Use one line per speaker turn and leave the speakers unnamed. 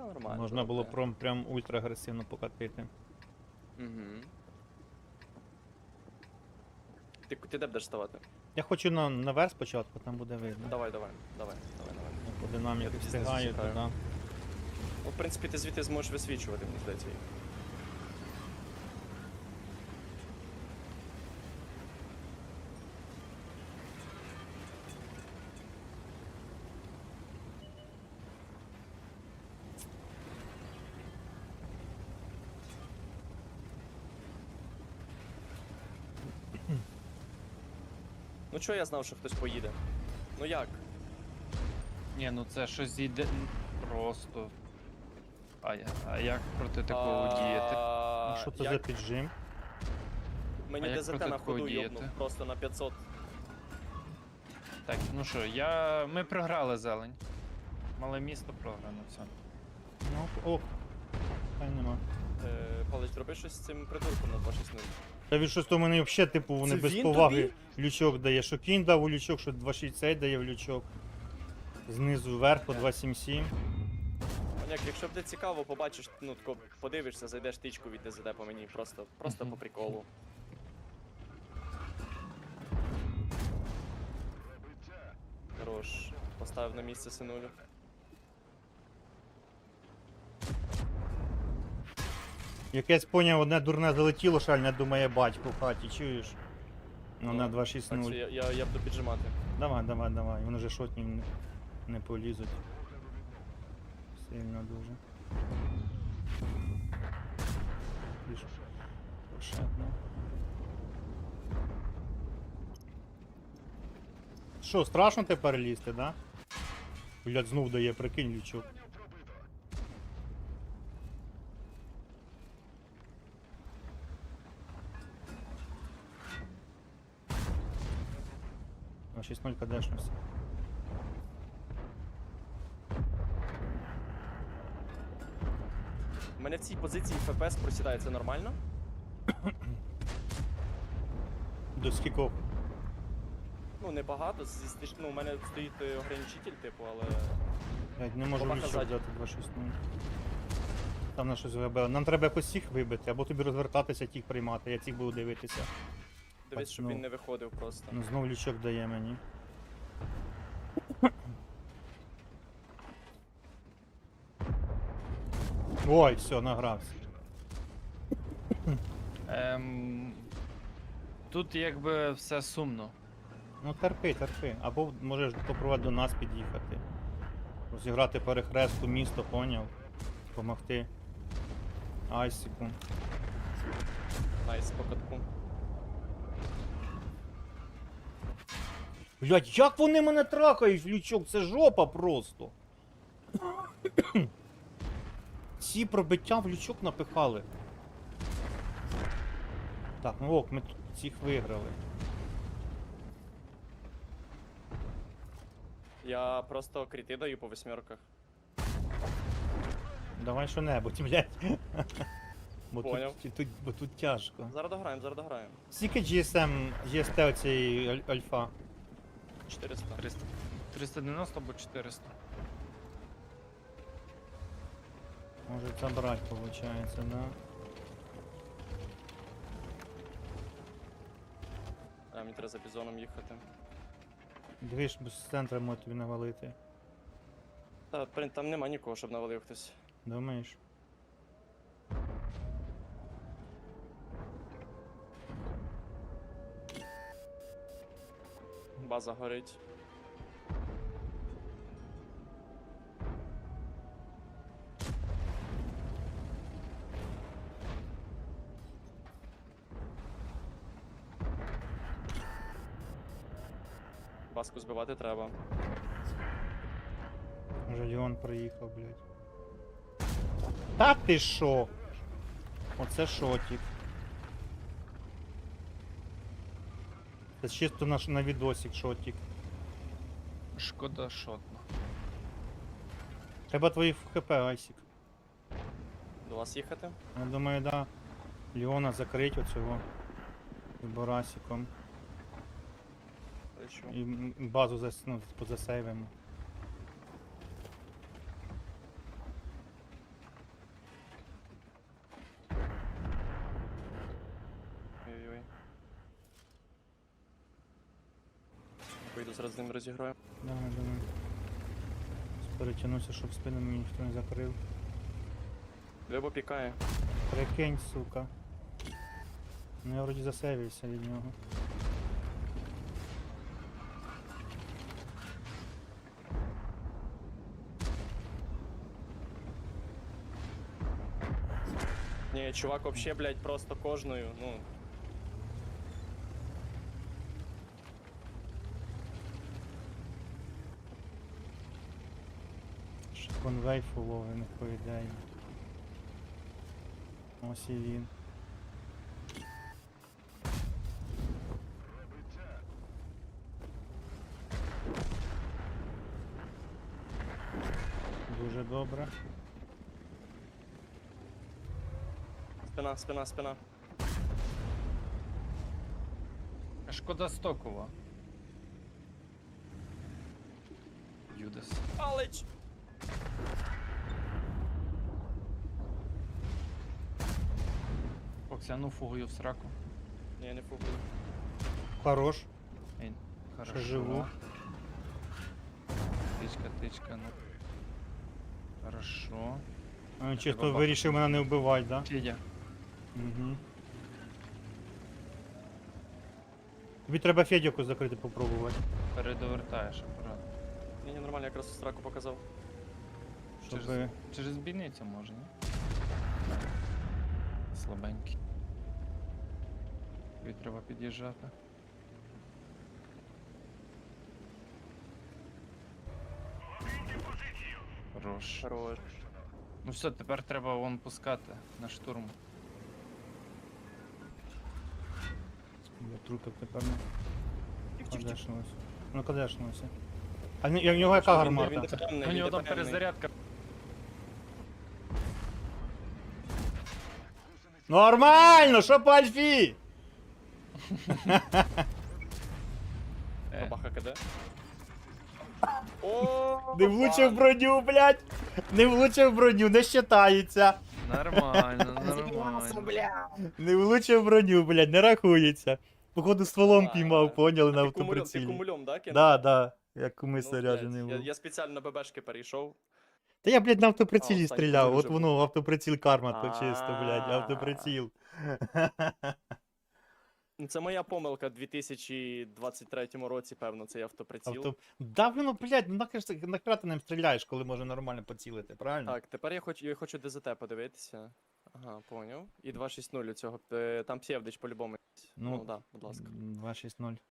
Та нормально.
Можна було
добре.
прям ультра агресивно покатити.
Угу. Ти де будеш ставати?
Я хочу наверх спочатку, там буде видно.
Давай.
По динаміки
Я тоді
встигаю
знизу
туди.
чекаю. Ну, в принципі, ти звідти зможеш висвічувати, мені здається. їх. Ну чого я знав, що хтось поїде? Ну як?
Ні, ну це щось йде просто. А як проти такого діяти?
Ну, що це за
як?
піджим?
Мені
А як
ДЗТ
проти
на
такого
ходу
діяти?
йобнув, просто на 500.
Так, ну що, ми програли зелень. Мале місто програно, все.
Ну, ок. Та й нема.
Палич, зроби щось з цим придурком на 260.
Та він щось то мене взагалі, типу, вони
Це
без
він
поваги
тобі?
лючок дає. Що кінь дав у лючок, що 260 дає в лючок. Знизу вверх по 277.
Маняк, якщо буде цікаво, побачиш, ну тако подивишся, зайдеш тичку від ДЗД по мені, просто по приколу. Хорош. Поставив на місце синулю.
Якесь поняв, одне дурне залетіло, шальня думає батько в хаті, чуєш? Ну на
Так,
260.
що я буду піджимати.
Давай, вони вже шотні не полізуть. Сильно дуже. Більш пошатно. Що, страшно тепер лізти, да? Блядь, знов дає, прикинь, лючок. А 6-0 кадешнувся.
У мене в цій позиції ФПС просідає, це нормально?
До скількох?
Ну, небагато, ну, у мене стоїть ограничитель, типу, але...
Блядь, не можу
Бабаха
лючок
ззаді.
взяти 2-6-0. Там на щось вибили. Нам треба якось їх вибити, або тобі розвертатися, тих приймати, я цих буду дивитися.
Дивись, щоб
Пацну.
він не виходив просто.
Ну знов лючок дає мені. Ой, все, награвся.
Тут якби все сумно.
Ну терпи. Або можеш попробувати до нас під'їхати. Розіграти перехрестку місто, поняв? Помогти. Айсіку.
Найс, по катку.
Блять, як вони мене трахають, лючок, це жопа просто. Ці пробиття в лючок напихали. Так, ну ок, ми тут цих виграли.
Я просто кріти даю по восьмерках.
Давай що-небудь, блять.
Поняв.
Бо тут тяжко.
Зараз дограємо.
Скільки GST оцієї альфа?
400.
390 або 400.
Може забрати, виходить, да?
А, мені треба за бізоном їхати.
Дивиш, з центра може тобі навалити.
Та, там нема нікого, щоб навалив хтось.
Думаєш?
База горить. Баску збивати треба.
Може Леон приїхав, блядь. Та ти шо? Оце шотик. Це чисто на відосик шотик.
Шкода шотно.
Треба твої ХП, Айсік.
До вас їхати?
Я думаю, да. Леона закрить оцього. І Борасиком.
Лечу.
І базу, ну, позасейвимо.
вийду, зараз з ним розіграю.
Давай, давай. Перетягнуся, щоб спину мені ніхто не закрив.
Лебо пікає.
Прикинь, сука. Ну я вроді засейвився від нього.
Ні, чувак вообще, блядь, просто кожною, ну.
Ще конвей фуловий, по ідеї. Ось і він. Дуже добре.
Спина, спина, спина.
Шкода Стокова. Юдас.
Палич!
Оксяну фугою в сраку.
Ні, не фугую.
Хорош.
Ей, хорошо.
живу.
Тичка, тичка, ну. Хорошо.
А, чисто
тебе
вирішив мене не вбивати, да?
Федя.
Угу. Тобі треба Федьку закрити попробувати.
Передовертаєш апарат.
Ні, нормально, якраз у страку показав.
Щоб...
Через бійницю можна. Слабенький. Тобі треба під'їжджати. Хорош.
Хорош.
Ну все, тепер треба вон пускати на штурм.
Я трупик тепер не
Тих-тих-тих.
кадешнувся. Ну кадешнувся. А в нього яка гармата?
Він ДПМний,
У
він
нього там
ДПМний.
перезарядка.
Нормально, що по альфі?
Бабаха КД. О,
Не влучив броню, блядь! Не влучив броню, не считається.
Нормально, нормально.
Не влучив броню, блядь, не рахується. Походу стволом піймав, поняли на
Ти
автоприцілі.
кумульом, да, кинув?
Да, да, як куми
Ну,
заряджений
блядь,
був.
я спеціально на ББшки перейшов.
Та я, блядь, на
А,
автоприцілі
останній
стріляв,
кумуль
от
вже
воно, автоприціл карма, то чисто, блядь,
А.
автоприціл.
Ну, це моя помилка в 2023 році, певно, цей автоприціл.
Да, воно, блядь, ну нахера ти ним стріляєш, коли може нормально поцілити, правильно?
Так, тепер я хочу ДЗТ подивитися. Ага, поняв. І 2.6.0 у цього. Там Псевдич по-любому.
Ну,
Ну да, будь ласка.
2.6.0.